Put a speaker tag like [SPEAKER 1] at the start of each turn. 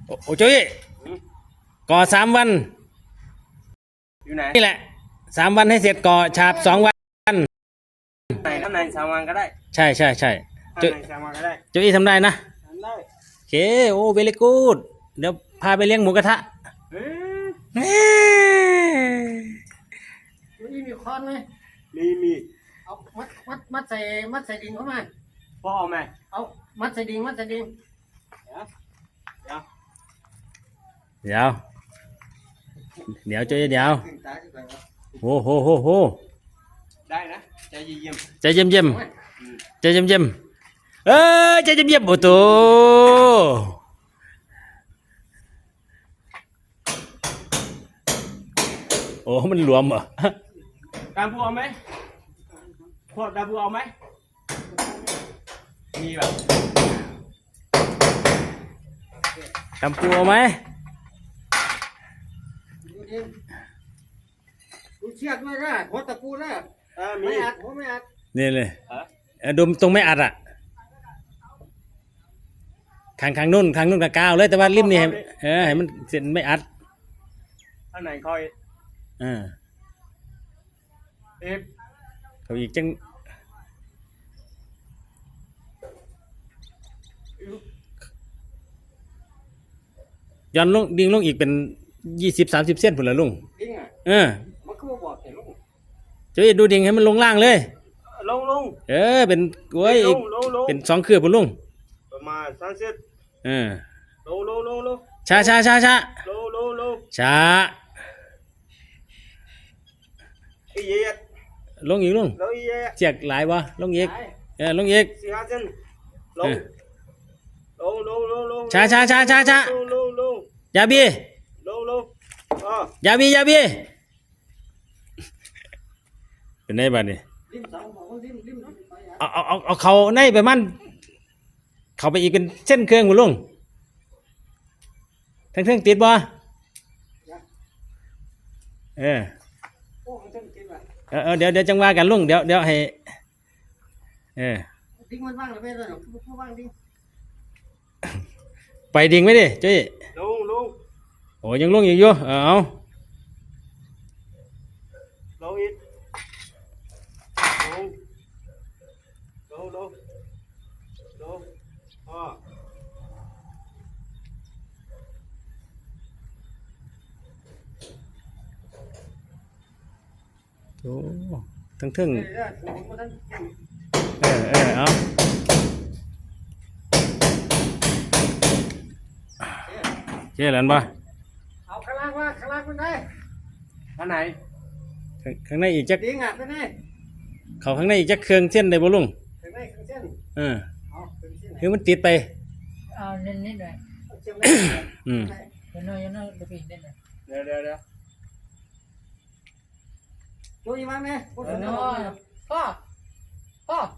[SPEAKER 1] โอ้จุ้ยก่อ3 วัน
[SPEAKER 2] อยู่ไหน
[SPEAKER 1] นี่แหละ3 วันให้เสร็จก่อฉาบ2 วัน
[SPEAKER 2] ไหนข้างใน3 วันก็ได้
[SPEAKER 1] ใช่
[SPEAKER 2] ข้าง
[SPEAKER 1] จุ้ย
[SPEAKER 2] ใน3 วันก็ได้
[SPEAKER 1] จุ้ยทำได้นะ
[SPEAKER 2] ทำได้
[SPEAKER 1] โอเคโอ้เวลี่กูดเดี๋ยวพาไปเลี้ยงหมูกระทะ
[SPEAKER 2] เฮ้ย
[SPEAKER 3] มีค้อนไหม
[SPEAKER 2] มี
[SPEAKER 3] เอามัดใส่ดินเข้ามา
[SPEAKER 2] พ่อเอาไหม
[SPEAKER 3] เอามัดใส่ดิน
[SPEAKER 2] เดี๋ยว
[SPEAKER 1] เดี๋ยวจุ้ยเดี๋ยวโอ้โห
[SPEAKER 2] ได้นะใจเย็น
[SPEAKER 1] ใจเย็มใจเย็มใจเย็มโอ้โตโอ้มันรวมเหรอ
[SPEAKER 2] ดาบูเอาไหมพวกดาบูเอาไหมมีแบบ
[SPEAKER 1] กำปูเอาไหม
[SPEAKER 3] ดูเชือกด้วยนะหัวตะปูนะ
[SPEAKER 2] มี
[SPEAKER 3] ไม่อัดหัวไม่อัด
[SPEAKER 1] นี่เลยดมตรงไม่อัดอ่ะข้างนู่นกับกาวเลยแต่ว่าริมนี่ให้มันเสร็จไม่อัด
[SPEAKER 2] ข้างไหนคอย
[SPEAKER 1] เอ
[SPEAKER 2] ฟ
[SPEAKER 1] เขาอีกจังย้อนลงดิ่งลงอีกเป็น20-30 เส้นผุนละลุง
[SPEAKER 3] ดิ้งอ่ะมันก็บอกเห็นลุง
[SPEAKER 1] จะดูดิ่งให้มันลงล่างเลย
[SPEAKER 2] ลง
[SPEAKER 1] เป็นโอ้ยอีกเป็น2 คืบผุนลุง
[SPEAKER 2] ประมาณ30ลง
[SPEAKER 1] ช้า
[SPEAKER 2] ลง
[SPEAKER 1] ช้า
[SPEAKER 2] อีเย็ด
[SPEAKER 1] ลงอีกลุงเจียกหลายวะลงอีกลงอีก
[SPEAKER 2] 4-5 เส้นลง
[SPEAKER 1] ช้าอย่าบี้
[SPEAKER 2] ลง
[SPEAKER 1] อย่าบี้เป็นไงบ้านี่เอาเขาในไปมันเขาไปอีกเป็นเส้นเครื่องหมดลุงทั้งเครื่องติดบ่เดี๋ยวจังว่ากันลุงเดี๋ยวให้
[SPEAKER 3] ดิ้งมันว่างหรือไม่เลยผู้ว่างดิ้ง
[SPEAKER 1] ไปดิ่งไหมดิจุ้ย
[SPEAKER 2] ลง
[SPEAKER 1] โอ้ยังลุงอยู่เอา
[SPEAKER 2] ลงอีกลง
[SPEAKER 1] โอ้ทั้งเอาเจ๊หลันปะ
[SPEAKER 3] เอาข้างล่างมันได้
[SPEAKER 2] ข้างไหน
[SPEAKER 1] ข้างในอีกจัก
[SPEAKER 3] ดิ้งอ่ะไปไหน
[SPEAKER 1] เขาข้างในอีกจักเครื่องเส้นได้บ่ลุง
[SPEAKER 3] ข้างในเครื่องเส้น
[SPEAKER 1] คือมันติดไป
[SPEAKER 4] เอาเน้นนิดหน่อยน้อยเดี๋ยวพี่เน้นหน่อย
[SPEAKER 2] เดี๋ยว
[SPEAKER 3] โจยมาไหม
[SPEAKER 4] พ่อ